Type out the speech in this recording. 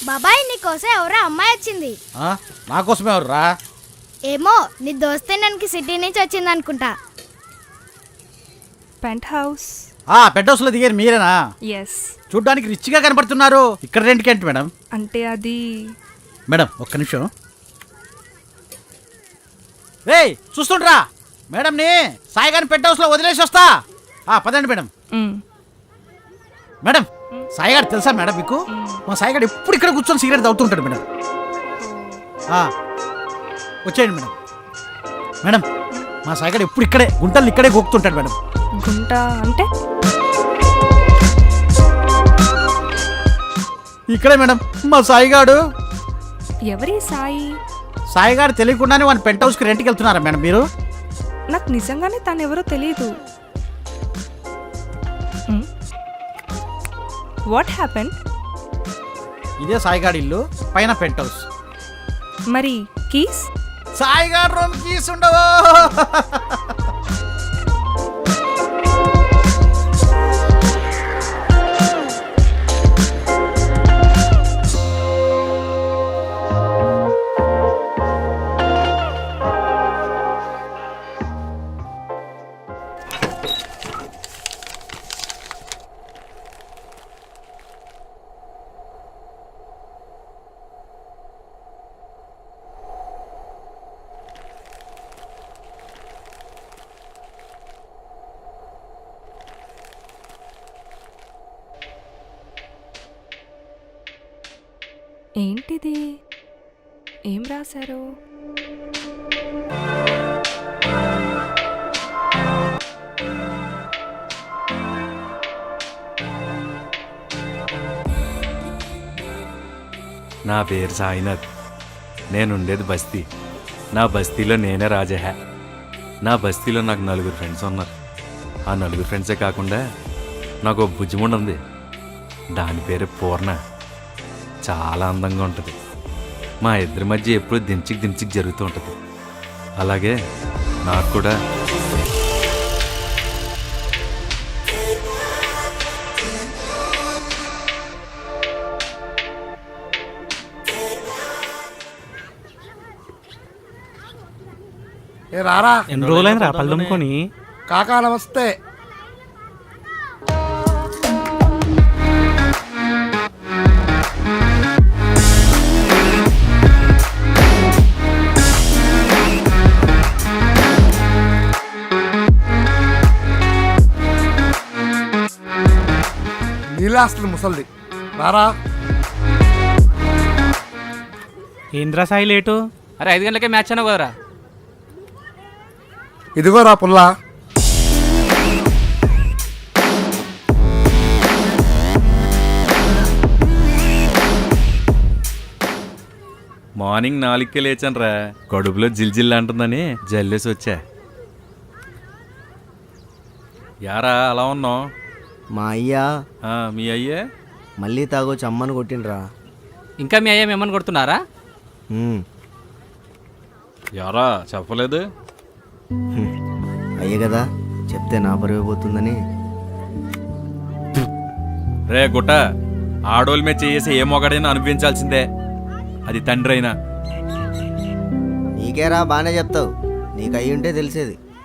బాబాయ్ నీకోసం ఎవరో అమ్మాయి వచ్చింది. నా కోసమే ఎవర్రా? ఏమో నీ దోస్తేనానికి సిటీ నుంచి వచ్చింది అనుకుంటా. Pent house. పెంట్ హౌస్ లో దిగారు మీరేనా? ఎస్. చూడ్డానికి రిచ్ గా కనపడుతున్నారు. ఇక్కడ రెంట్కి ఏంటి మేడం? అంటే అది మేడం ఒక్క నిమిషం. రేయ్ చూస్తుండ్రా మేడంని సాయిగారిని పెంట్ హౌస్ లో వదిలేసి వస్తా. పదండి మేడం. మేడం సాయిగారు తెలుసా మేడం మీకు? మా సాయిగారు ఎప్పుడు ఇక్కడ కూర్చొని సిగరెట్ తాగుతుంటాడు మేడం. వచ్చేయండి మేడం. మేడం మా సాయిగారు ఎప్పుడు ఇక్కడే గుంటలు ఇక్కడే గోకుతుంటాడు మేడం. గుంట అంటే ఇక్కడే మేడం మా సాయిగాడు. ఎవరి సాయి? సాయిగారు తెలియకుండానే వాళ్ళ పెంట్ హౌస్కి రెంట్కి వెళ్తున్నారా మేడం మీరు? నాకు నిజంగానే తను ఎవరో తెలీదు. What happen? ఇదే సాయిగాడి ఇల్లు, పైన పెంట్ హౌస్. మరి కీస్? సాయిగాడు రూమ్ కీస్ ఉండవు. ఏంటిది? ఏం రాశారు? నా పేరు సాయినాథ్. నేనుండేది బస్తీ. నా బస్తీలో నేనే రాజహ. నా బస్తీలో నాకు 4 ఫ్రెండ్స్ ఉన్నారు. ఆ 4 ఫ్రెండ్సే కాకుండా నాకు ఒక బుజ్జిముండ ఉంది. దాని పేరు పూర్ణ. చాలా అందంగా ఉంటుంది. మా ఇద్దరి మధ్య ఎప్పుడు దించికి జరుగుతూ ఉంటుంది. అలాగే నాకు కూడా రారా. ఎన్ని రోజులైన రా పళ్ళుమ్ముకొని. కాకా నమస్తే. నీలాస్త్రి ముసల్ది రారా. ఏంద్రా సాయి లేటు? అరే 5 గంటలకే మ్యాచ్ అన్నావు కదరా. ఇదిగోరా పుల్లా. మార్నింగ్ 4కే లేచాను రా. కడుపులో జిల్జిల్ అంటుందని జల్లేసి వచ్చా. యారా అలా ఉన్నావు? మా అయ్యా. మీ అయ్యే మళ్ళీ తాగొచ్చి అమ్మని కొట్టిండ్రా. ఇంకా మీ అయ్యా మిమ్మల్ని కొడుతున్నారా? యారా చెప్పలేదు? అయ్యే కదా చెప్తే నా పరువు పోతుందని. రే గుట్ట, ఆడోళ్ళ మీద చేసి ఏ మొగడైనా అనిపించాల్సిందే, అది తండ్రి అయినా. నీకేరా బాగానే చెప్తావు, నీకు అయ్యి ఉంటే తెలిసేది.